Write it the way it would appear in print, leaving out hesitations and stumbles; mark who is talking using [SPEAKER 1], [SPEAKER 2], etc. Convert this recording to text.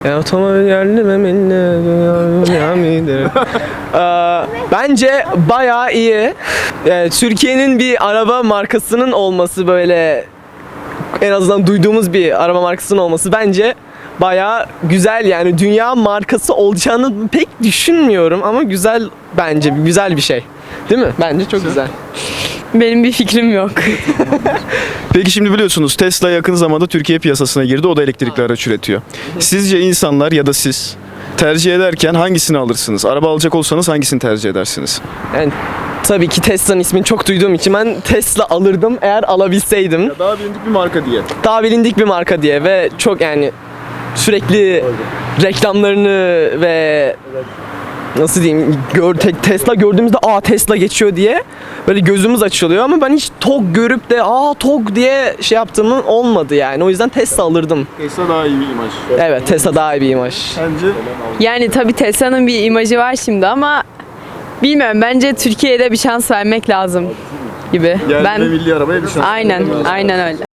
[SPEAKER 1] Otomobil yerli bence bayağı iyi. Türkiye'nin bir araba markasının olması, böyle en azından duyduğumuz bir araba markasının olması bence bayağı güzel. Yani dünya markası olacağını pek düşünmüyorum ama güzel, bence güzel bir şey. Değil mi? Bence çok güzel.
[SPEAKER 2] Benim bir fikrim yok.
[SPEAKER 3] Peki şimdi biliyorsunuz Tesla yakın zamanda Türkiye piyasasına girdi. O da elektrikli araç üretiyor. Sizce insanlar ya da siz tercih ederken hangisini alırsınız? Araba alacak olsanız hangisini tercih edersiniz?
[SPEAKER 1] Yani tabii ki Tesla'nın ismini çok duyduğum için ben Tesla alırdım eğer alabilseydim.
[SPEAKER 3] Daha bilindik bir marka diye.
[SPEAKER 1] Daha bilindik bir marka diye ve çok, yani sürekli reklamlarını ve nasıl diyeyim, Tesla gördüğümüzde Tesla geçiyor diye böyle gözümüz açılıyor ama ben hiç TOG görüp de TOG diye şey yaptığımın olmadı yani. O yüzden Tesla alırdım.
[SPEAKER 3] Tesla daha iyi bir imaj.
[SPEAKER 1] Evet, Tesla daha iyi bir imaj.
[SPEAKER 3] Sence?
[SPEAKER 2] Yani tabii Tesla'nın bir imajı var şimdi ama bilmiyorum, bence Türkiye'de bir şans vermek lazım gibi.
[SPEAKER 3] Yerli ve milli arabaya bir şans.
[SPEAKER 2] Aynen öyle.